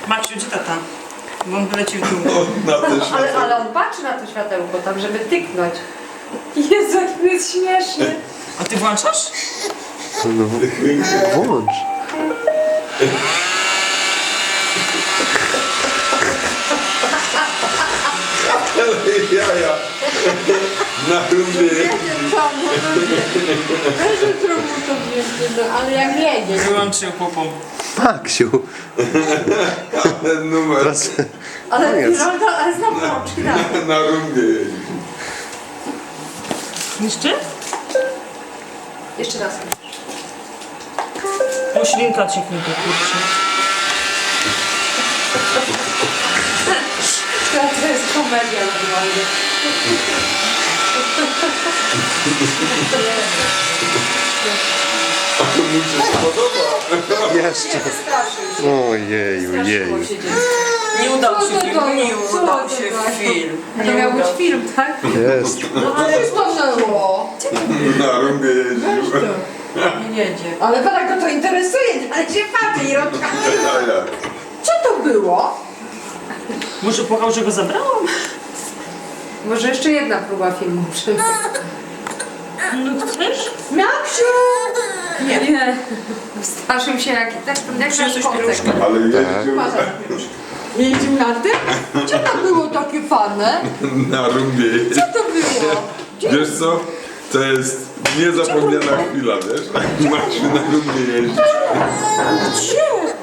Maksiu, gdzie tata? Bo on wylecił w dół. Ale on patrzy na to światełko tam, żeby tyknąć. Jezu, jak to jest śmieszny. A ty włączasz? No, włącz. Jaja. Na rundzie. Weź trochę to wjeżdżę, no ale jak jedzie. Wyłączył popą. Maksiu. Ten numer. Teraz Ale, Koniec. ale znowu rączki dalej. Na rundzie jeździ. Jeszcze? Jeszcze raz. O, ślinka cieknie, kurczę. To jest komedia normalnie. A to mu się spodoba. jeszcze. Straszył się. Ojeju, Straszyło jeju. się dziecko. Nie udał Co się to film, to nie jest? Co udał to się jest? film. To Nie miał być udał. film, tak? Jest. No ale to było. Na rundzie jeździł. Nie jedzie. Ale pana go to interesuje, ale się patrzy i rączka. Jaja. Co to było? Może płakał, że go zabrałam? Może jeszcze jedna próba filmu przed. No chcesz? Maksiu! Nie. Straszył się jak nasz Przyniosłeś kotek. pieluszkę? Ale jeździł Jeździł na tym? Co to było takie fane? na rundzie jeździł. Co to było? Wiesz co? To jest niezapomniana chwila, wiesz? Maksiu na rundzie jeździ. Gdzie?